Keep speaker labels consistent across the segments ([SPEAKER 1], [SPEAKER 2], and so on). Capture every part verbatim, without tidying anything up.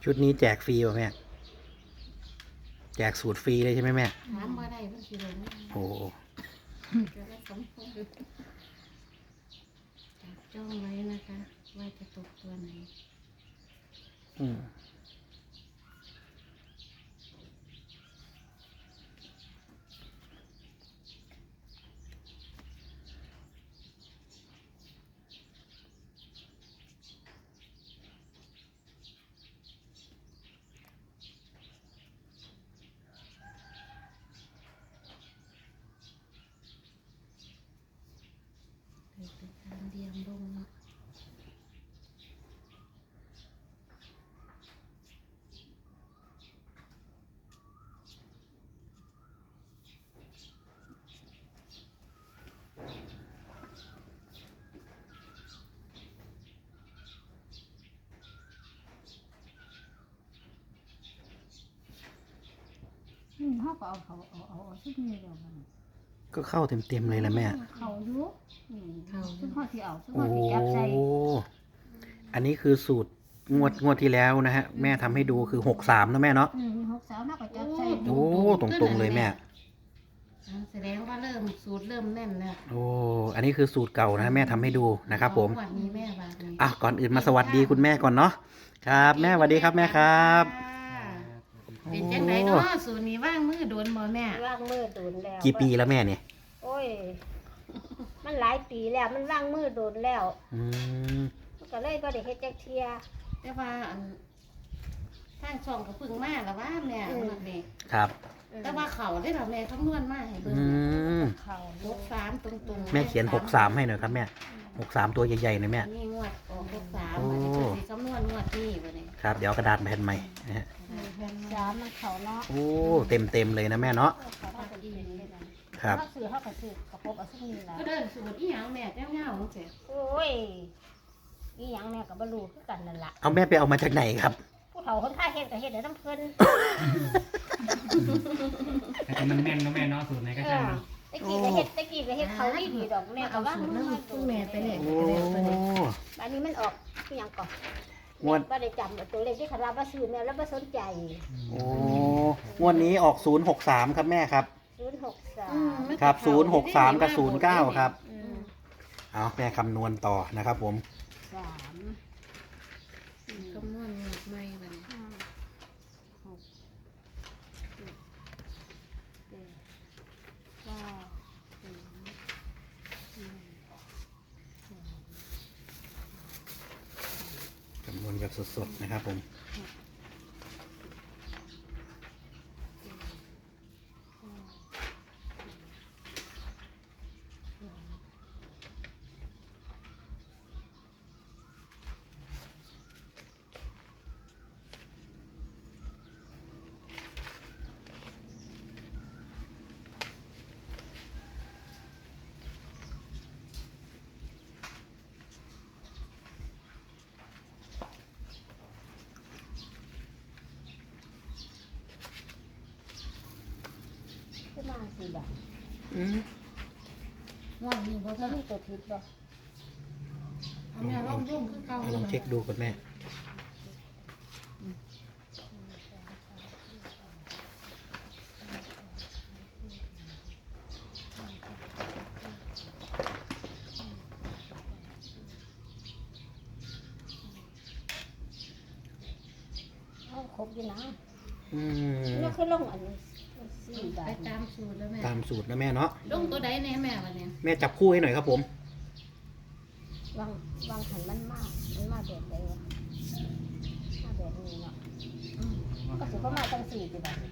[SPEAKER 1] ชุดนี้แจกฟรีป่ะแม่แจกสูตรฟรีเลยใช่ไหมแม่
[SPEAKER 2] ถามบ่ได้เพิ่นสิลง
[SPEAKER 1] โอ้
[SPEAKER 2] จะได้สมพงษ์จับจ้องไว้นะคะว่าจะตกตัวไหน
[SPEAKER 1] อืม
[SPEAKER 2] เป็นการเดียมลงเนาะ
[SPEAKER 3] อืมเขาก็เอาเขาเอาเอาเอาชุดนี้เดียวกัน
[SPEAKER 1] ก็เข้าเต็มๆเลยแหละแม่
[SPEAKER 3] เขาอยู่อืม
[SPEAKER 2] เขา
[SPEAKER 3] ชุดห่อที่เอาชุดห่
[SPEAKER 1] โอ้
[SPEAKER 3] อที่จับใส่
[SPEAKER 1] อันนี้คือสูตรงวดงวดที่แล้วนะฮะแม่ทำให้ดูคือหกสามนะแม่เนาะ
[SPEAKER 3] อืมหกสาวเขาก็จับใส่
[SPEAKER 1] โอ้ตรงๆเลยแม่
[SPEAKER 2] อ่าแสดงว่าเริ่มสูตรเริ่มแน่นแล้ว
[SPEAKER 1] โอ้อันนี้คือสูตรเก่านะแม่ทำให้ดูนะครับผม
[SPEAKER 2] วันนี้แม่บาทนี้
[SPEAKER 1] อ่ะก่อนอื่นมาสวัสดีคุณแม่ก่อนเนาะครับแม่สวัสดีครับแม่ครับ
[SPEAKER 2] เป็นจังไดเนาะสูตรนี้ว่างมือโดนบ่แม่
[SPEAKER 3] ว่างมือโดนแล้ว
[SPEAKER 1] กี่ปีแล้วแม่เนี่ย
[SPEAKER 3] โอ้ย มันหลายปีแล้วมันว่างมือโดนแล้ว
[SPEAKER 1] อืม
[SPEAKER 3] มันก็เลยบ่ได้เฮ็ดจักเที่ย
[SPEAKER 2] แต่ว่าอันทางช่องก็เพึ่งมาแล้วว่าแม่
[SPEAKER 3] อืม
[SPEAKER 2] มันนี่
[SPEAKER 1] ครับ
[SPEAKER 2] แต่ว่าเขาได้ล่ะแม่คำนวณมาให้เบิ่ง
[SPEAKER 1] อืม
[SPEAKER 3] เขา
[SPEAKER 2] หกสามตรงๆ
[SPEAKER 1] แม่เขียนหกสามให้หน่อยครับแม่หกสามตัวใหญ่ๆหน่อยแม่
[SPEAKER 2] อันนี่งวดออกหกสาม
[SPEAKER 1] โอ้
[SPEAKER 2] อันนี้คือสิคำนวณงวดนี้บ่นี่
[SPEAKER 1] ครับเดี๋ยวเอากระดาษแผ่นใหม่นะฮะ
[SPEAKER 3] สามมันเขาเนาะ
[SPEAKER 1] โอ้เต็มเต็มๆเลยนะแม่เนาะ
[SPEAKER 3] เขาก็เป็นเป็นได้นั่น
[SPEAKER 1] ครับ
[SPEAKER 3] เขาซื้อเขาก็ซื้อกระปบเอาชุดนี้ล่ะ
[SPEAKER 2] ก็เดินสูตรอีหยังแม่แจ้งเงาจังซี่
[SPEAKER 3] โอ้ยอีหยังแม่ก็บ่รู้คือกันนั่นล่ะ
[SPEAKER 1] เอาแม่ไปเอามาจากไหนครับ
[SPEAKER 3] ผู้เฒ่าคนข้าเฮ็ดก็เฮ็ดได้นำเพิ่น
[SPEAKER 4] แต่มันแม่นเนาะแม่เนาะสูตรไหนก็
[SPEAKER 3] เอ
[SPEAKER 4] ช่าง
[SPEAKER 3] อ
[SPEAKER 4] มัน
[SPEAKER 3] ตะกี้ก็เฮ็ดตะกี้ก็เฮ็ดเขาดีๆดอกแม่
[SPEAKER 2] มา
[SPEAKER 3] ก็
[SPEAKER 2] เอา
[SPEAKER 3] ว่า
[SPEAKER 2] สูตร
[SPEAKER 3] มัน
[SPEAKER 2] นำคุณแม่ไปเลย
[SPEAKER 1] โอ้
[SPEAKER 2] ก็แล้วตัวนี้
[SPEAKER 3] อันนี้มันออกคือหยังก่อน
[SPEAKER 1] งวด
[SPEAKER 3] บ่ได้จำตัวเลขที่เขารับว่าซื้อแม่แล้วบ่สนใจ
[SPEAKER 1] โอ้งวดนี้ออกศูนย์หกสามครับแม่ครับ
[SPEAKER 3] ศูนย์หกสา
[SPEAKER 2] อื
[SPEAKER 3] ม
[SPEAKER 2] ม
[SPEAKER 1] ครับศูนย์หกสามกับศูนย์เก้าครับ
[SPEAKER 2] อืม
[SPEAKER 1] เอาแม่คำนวณต่อนะครับผม
[SPEAKER 3] สามสี่
[SPEAKER 2] คำนวณงวดใหม่บัดนี้
[SPEAKER 3] ห้าหกเจ็ดแปดเก้าศูนย์หนึ่งสอง
[SPEAKER 1] คำนวณแบบสดๆนะครับผม
[SPEAKER 3] ขึ้นมาสี่บาท
[SPEAKER 1] อืม
[SPEAKER 2] งวดนี้บ่
[SPEAKER 3] แล้
[SPEAKER 2] เท่าว
[SPEAKER 3] มีตัวทิพย์บ่
[SPEAKER 2] เอาแม่ลองยุ่งคือเก่า
[SPEAKER 1] เอาลองเช็คดูก่อนแม่
[SPEAKER 3] เอาครบอยู่นะ
[SPEAKER 1] อืม
[SPEAKER 3] แล้วคือลงอันนี้สี่บา
[SPEAKER 2] ไป
[SPEAKER 3] ท
[SPEAKER 2] ตามสูตรแล้วแม่
[SPEAKER 1] ตามสูตรนะแม่เนาะ
[SPEAKER 2] ลงตัวใดแน่แม่บัดนี้
[SPEAKER 1] แม่จับคู่ให้หน่อยครับผม
[SPEAKER 3] วางวางหันมันมากมันมากแบบใดวะมาแบบนี้เนาะ
[SPEAKER 2] อืม
[SPEAKER 3] ก็ถือว่ามาตั้งสี่สิบาท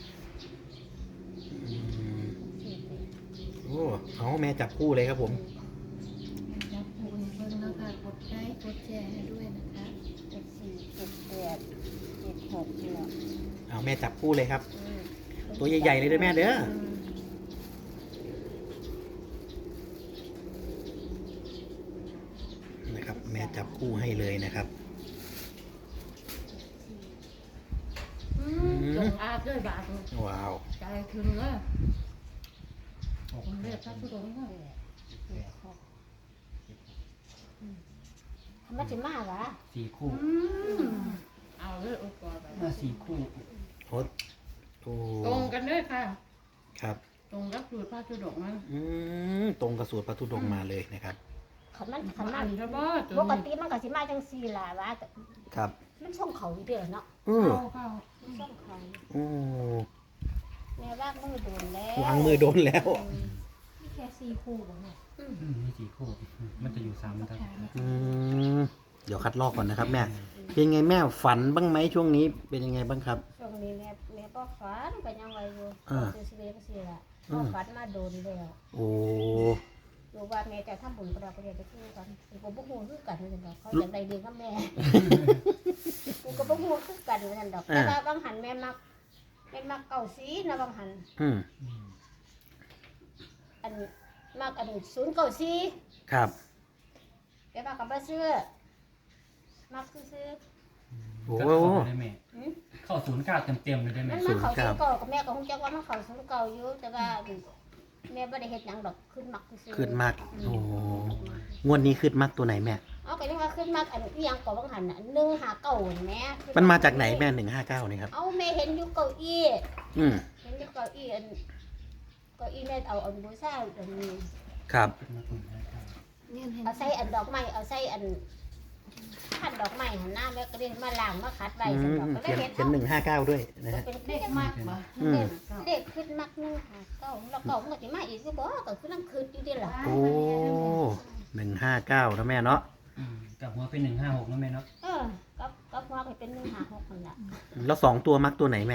[SPEAKER 1] อืม
[SPEAKER 3] สี่สิบ
[SPEAKER 1] โอ้เอาแม่จับคู่เลยครับผม
[SPEAKER 2] จับปูให้เบิ่งนะคะกดไลค์กดแชร์ให้ด้วยนะคะ
[SPEAKER 3] เจ็ดสี่เจ็ดแปดเจ็ดหกเนาะ
[SPEAKER 1] เอาแม่จับคู่เลยครับ
[SPEAKER 3] อืม
[SPEAKER 1] ตัวใหญ่ๆเลยเด้อแม่เด้อ
[SPEAKER 2] อืม
[SPEAKER 1] นะครับ แม่จับคู่ให้เลยนะครับ
[SPEAKER 2] อืมจงอาบด้วยบาท
[SPEAKER 1] ว้าว
[SPEAKER 2] ใจถึงเลยผมเรียกพระธุดงค์ว่า
[SPEAKER 3] เจ็ดหกอืมมันจะมากวะ
[SPEAKER 4] สี่คู่
[SPEAKER 2] อืมเอาเลยโอ้ก่อนไป
[SPEAKER 4] มาสี่คู่
[SPEAKER 1] โอ้โอ้
[SPEAKER 2] ตรงกันด้วยค่ะ
[SPEAKER 1] ครับ
[SPEAKER 2] ตรงกับสูตรพระธุดงค์มัน
[SPEAKER 1] อืมตรงกับสูตรพระธุดงค์มาเลยนะครับ
[SPEAKER 3] ขันมันขั
[SPEAKER 2] ขั
[SPEAKER 3] น
[SPEAKER 2] น
[SPEAKER 3] มั
[SPEAKER 2] มัน นจะบ่ตัว
[SPEAKER 3] ปก
[SPEAKER 2] นี้
[SPEAKER 3] ติมันก็สิมาจังซี่ล่ะว่าแต่
[SPEAKER 1] ครับ
[SPEAKER 3] มันช่องเขาอยู่เด้อเนาะ
[SPEAKER 1] อือ
[SPEAKER 2] เข้าเข้า
[SPEAKER 3] มันช่องเขา
[SPEAKER 1] โอ้
[SPEAKER 3] แม่ว่ามือโดนแล้ว
[SPEAKER 1] วางมือโดนแล้ว
[SPEAKER 2] มีแค่สี่คู่บ่แม่
[SPEAKER 3] อืม
[SPEAKER 4] อืมมีสี่คู่ มันจะอยู่สามบรรทัด
[SPEAKER 1] อืมเดี๋ยวคัดลอกก่อนนะครับแม่เป็นไงแม่ฝันบ้างไหมช่วงนี้เป็นยังไงบ้างครับ
[SPEAKER 3] ช่วงนี้แม่แม่บ่ฝันก็ยังไว้อยู่
[SPEAKER 1] อ่า
[SPEAKER 3] คือสิเวก็สิล่ะ
[SPEAKER 1] อื
[SPEAKER 3] บ่
[SPEAKER 1] ม
[SPEAKER 3] ฝันมาโดนแล้ว
[SPEAKER 1] โอ้
[SPEAKER 3] รู้ว่าแม่จะทำบุญก็ได้ก็ได้จะคือกันกูก็บ่ฮู้คือกันว่าซั่นดอกเขาอยากได้เลี้ยงกับแม่ กูก็บ่ฮู้คือกันว่าซั่นดอกแต่ว่าบางหันแม่มักแม่มักเก่าสีนะบางหัน
[SPEAKER 1] อืม
[SPEAKER 4] อืม
[SPEAKER 3] อันมักอันศูนย์เก่าสี
[SPEAKER 1] ครับ
[SPEAKER 3] แต่ว่าก็บ่ซื้อมักซื้อ
[SPEAKER 1] โอ้
[SPEAKER 4] ก็เข้าไปได้แม่
[SPEAKER 3] ๆหืม
[SPEAKER 4] เข้าศูนย์เก้าเต็มๆเลยได้ไหม
[SPEAKER 3] มันมาเข้าศูนย์เก่ากับแม่ก็คงจักว่ามันเข้าศูนย์เก่าอยู่แต่ว่าแม่บ่ได้เฮ็ดหยังดอกขึ้นมักซื้อ
[SPEAKER 1] ขึ้นมากโอ้งวดนี้ขึ้นมากตัวไหนแม่
[SPEAKER 3] เอาก็ยังว่าขึ้นมักอันอีหยังก็บางหันน่ะหนึ่งห้าเก้านี่แม่
[SPEAKER 1] มันมาจากไหนแม่หนึ่งห้าเก้านี่ครับ
[SPEAKER 3] เอาแม่เห็นอยู่เก้าอี้
[SPEAKER 1] อืม
[SPEAKER 3] เห็นอยู่เก้าอี้อันเก้าอี้แม่เอาอันบูชาอันนี้
[SPEAKER 1] ครับ
[SPEAKER 2] เนี่ยเห็น
[SPEAKER 3] เอาใส่อันดอกไม้เอาใส่อันพันดอกไม้หันหน้าแม่ก็เรียนมาล้างมาขัดไว้
[SPEAKER 1] อื
[SPEAKER 3] ซั่น
[SPEAKER 1] ม
[SPEAKER 3] ดอกก็เล
[SPEAKER 1] เขี
[SPEAKER 3] ย
[SPEAKER 1] ยน
[SPEAKER 3] เห็น
[SPEAKER 1] เขียนหนึ่งห้าเก้าด้วยนะ
[SPEAKER 3] เอา
[SPEAKER 1] ฮะ
[SPEAKER 3] เป็น
[SPEAKER 2] เด็
[SPEAKER 3] เด็
[SPEAKER 2] ก
[SPEAKER 3] ก
[SPEAKER 2] มากบ่
[SPEAKER 1] อืม
[SPEAKER 3] เด็กขึ้นมักหนึงห้าเก้าแล้วเก้ามันก็สิมาอีกคือบ่ก็คือนั่งคืนอยู่เด้ล่ะ
[SPEAKER 1] โอ้หนึ่งห้าเก้านะแม่เนาะ
[SPEAKER 4] อืมกับหัวเป็นหนึ่งห้าหกนะแม่เนาะ
[SPEAKER 3] เออกับกับว่าก็เป็นหนึ่งห้าหกนั่นล่ะ
[SPEAKER 1] แล้วสองตัวมักตัวไหนแม่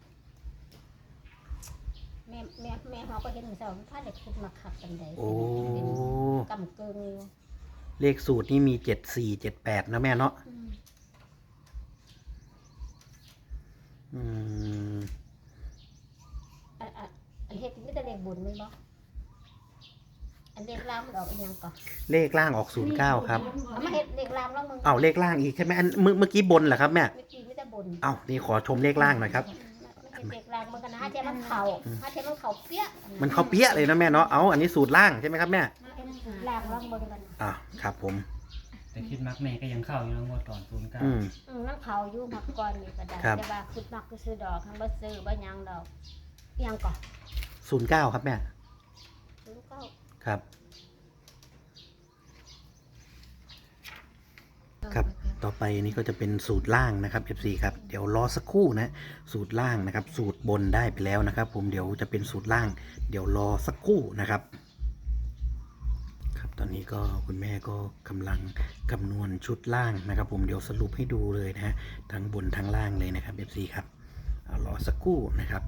[SPEAKER 3] แม่แม่แม่เฮาก็เห็นเจ้าพาเด็กขึ้นมาขับกันได้
[SPEAKER 1] โอ้
[SPEAKER 3] เป็นกำเกิงอยู่
[SPEAKER 1] เลขสูตรนี่มีเจ็ดสี่เจ็ดแปดนะแม่เนาะ
[SPEAKER 3] อืม
[SPEAKER 1] อืม
[SPEAKER 3] อันอันอันเฮ็ดมีแต่เลขบุญแม่นบ่อันเลขล่างมันออกอีหยังก่อน
[SPEAKER 1] เลขล่างออกศูนย์เก้าครับ
[SPEAKER 3] เอามาเฮ็ดเลขล่างแล้วมึง
[SPEAKER 1] เอาเลขล่างอีกใช่ไหมอันเมื่อเมื่อกี้บนเหรอครับแม่
[SPEAKER 3] เมื่อกี้มีแต่บุญ
[SPEAKER 1] เอานี่ขอชมเลขล่างหน่อยครับ
[SPEAKER 3] มันเฮ็ดเลขล่างมันก็นะฮะเจ้ามันเข้าฮะเจ้ามันเข้าเปี้ย
[SPEAKER 1] มันเข้าเปี้ยเลยนะแม่เนาะ เอาอันนี้สูตรล่างใช่ไหมครับแม่
[SPEAKER 3] เป็นสูตรล่างลองเบิ่งกัน
[SPEAKER 1] อ่าครับผม
[SPEAKER 4] แต่คิดมักแม่ก็ยังเข้าอยู่นะงวดก่อนศูนย์เก้า
[SPEAKER 1] อืม
[SPEAKER 3] อืมมันเข้าอยู่มักก่อนนี่ก็ได้
[SPEAKER 1] ครับ
[SPEAKER 3] แต่ว่าคิดมักก็ซื้อดอกทั้งบ่ซื้อบ่หยังดอกอีหยังก่อน
[SPEAKER 1] ศูนย์เก้าครับแม่
[SPEAKER 3] ศูนย์เก้า
[SPEAKER 1] ครับ ครับ ต่อไปนี้ก็จะเป็นสูตรล่างนะครับ เอฟ ซี ครับ เดี๋ยวรอสักครู่นะ สูตรล่างนะครับ สูตรบนได้ไปแล้วนะครับ ผม เดี๋ยวจะเป็นสูตรล่าง เดี๋ยวรอสักครู่นะครับ ครับ ตอนนี้ก็คุณแม่ก็กำลังคำนวณชุดล่างนะครับ ผม เดี๋ยวสรุปให้ดูเลยนะฮะ ทั้งบนทั้งล่างเลยนะครับ เอฟ ซี ครับ เอารอสักครู่นะครับ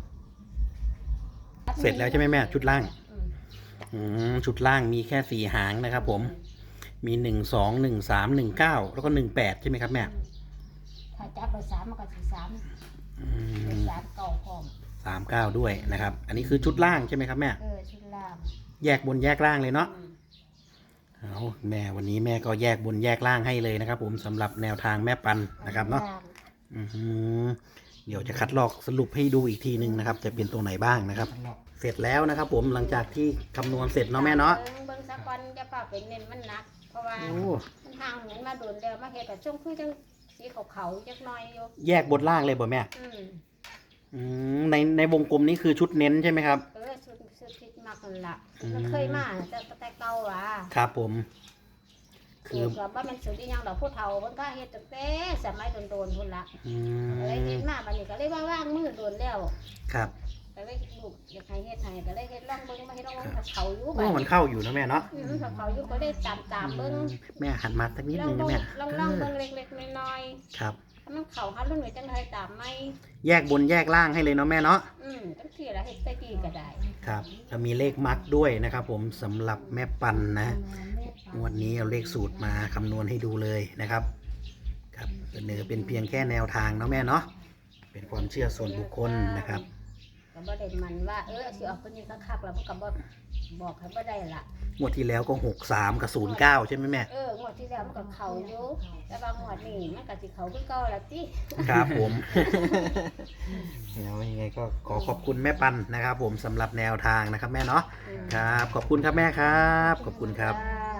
[SPEAKER 1] เสร็จแล้วใช่ไหมแม่ชุดล่าง
[SPEAKER 3] อืม
[SPEAKER 1] อืมชุดล่างมีแค่สี่หางนะครับผม มีหนึ่งสองหนึ่งสามหนึ่งเก้าแล้วก็หนึ่งแปดใช่ไหมครับแม่
[SPEAKER 3] ถ้าจับเบอร์สามมันก็สิสาม
[SPEAKER 1] อื
[SPEAKER 3] เบอ
[SPEAKER 1] ม
[SPEAKER 3] ร์สามเก่าพร้อม
[SPEAKER 1] สามเก้าด้วยนะครับ อันนี้คือชุดล่างใช่ไหมครับแม่
[SPEAKER 3] เออชุดล่าง
[SPEAKER 1] แยกบนแยกล่างเลยเนาะ
[SPEAKER 3] อืม
[SPEAKER 1] เอาแม่วันนี้แม่ก็แยกบนแยกล่างให้เลยนะครับ ผมสำหรับแนวทางแม่ปันนะครับเนาะ
[SPEAKER 3] ล่าง
[SPEAKER 1] อือหือเดี๋ยวจะคัดลอกสรุปให้ดูอีกทีหนึ่งนะครับ จะเป็นตรงไหนบ้างนะครับ
[SPEAKER 4] หลอก
[SPEAKER 1] เสร็จแล้วนะครับ ผมหลังจากที่คำนวณเสร็จเนาะแม่เนาะ
[SPEAKER 3] เบิ่งเบิ่งสักวันจะฝากเป็นเน้นมันหนัก เพราะว่า
[SPEAKER 1] โอ้
[SPEAKER 3] มันห่างเหมือนมาโดนแล้วมาเฮ็ดกับช่วงคือจังสีขาวๆจักหน่อยอยู่
[SPEAKER 1] แยกบนล่างเลยบ่แม่
[SPEAKER 3] อืม
[SPEAKER 1] อืมในในวงกลมนี้คือชุดเน้นใช่ไหมครับ
[SPEAKER 3] เออสุดสุดทิศมากนั่นล่ะมันเคยมาแต่แต่เก่าว่ะ
[SPEAKER 1] ครับผม
[SPEAKER 3] คื
[SPEAKER 1] คือ อ
[SPEAKER 3] กับว่ามันสุดอีหยังดอกผู้เฒ่าเพิ่นก็เฮ็ดตั้งแต่สมัยโดนๆพุ่นล่ะ
[SPEAKER 1] อื
[SPEAKER 3] เลยเฮ็
[SPEAKER 1] ม
[SPEAKER 3] ดมาบัดนี้ก็เลยว่าว่างมือโดนแล้ว
[SPEAKER 1] ครับ
[SPEAKER 3] ก็เลยลูกอยากให้เฮ็ดให้ก็เลยเฮ็ดลองเบิ่งมาเฮ็ดลองเบิ่งถ้าเขาอยู่
[SPEAKER 1] โอ้
[SPEAKER 3] บัด
[SPEAKER 1] มันเข้าอยู่นะแม่เนาะ
[SPEAKER 3] อืมถ้าเขาอยู่ก็ได้ตามตามๆเบิ่ง
[SPEAKER 1] แม่หันมาสักนิด
[SPEAKER 3] ลอ
[SPEAKER 1] นึ
[SPEAKER 3] ง
[SPEAKER 1] ง
[SPEAKER 3] เบิ่
[SPEAKER 1] นะ
[SPEAKER 3] ง
[SPEAKER 1] แม่
[SPEAKER 3] ลอง
[SPEAKER 1] เอ
[SPEAKER 3] ลอง
[SPEAKER 1] อ
[SPEAKER 3] เบิ่งเล็กๆน้อย
[SPEAKER 1] ครับ
[SPEAKER 3] ๆถ้ามันเข้าหารุ่นไว้จังไดตามไหม
[SPEAKER 1] แยกบนแยกล่างให้เลยเนาะแม่เนาะ
[SPEAKER 3] อืมจังซี่ล่ะเฮ็ดใส่กี่ก็ได้
[SPEAKER 1] ครับจะมีเลขมัดด้วยนะครับผมสำหรับแม่ปันนะงวดนี้เอาเลขสูตรมาคำนวณให้ดูเลยนะครับ ครับเสนอเป็นเพียงแค่แนวทางเนาะแม่เนาะเป็นความเชื่อส่วนบุคคลนะครับ
[SPEAKER 3] ก็บ่ได้มันว่าเออสิออกคนนี้คักๆแล้วมันก็บ่บอกให้บ่ได้ล่ะ
[SPEAKER 1] งวดที่แล้วก็หกสามกับศูนย์เก้าใช่ไหมแม่
[SPEAKER 3] เอองวดที่แล้วมันก็เข้าอยู่แต่ว่างวดนี้มันก็สิเข้าคือเก่าล่ะติ
[SPEAKER 1] ครับผม เดี๋ยวยังไงก็ขอขอบคุณแม่ปันนะครับ ผมสำหรับแนวทางนะครับแม่เนาะ
[SPEAKER 3] อืม
[SPEAKER 1] ครับ ขอบคุณครับแม่ครับ ขอบคุณครับ
[SPEAKER 3] จ้า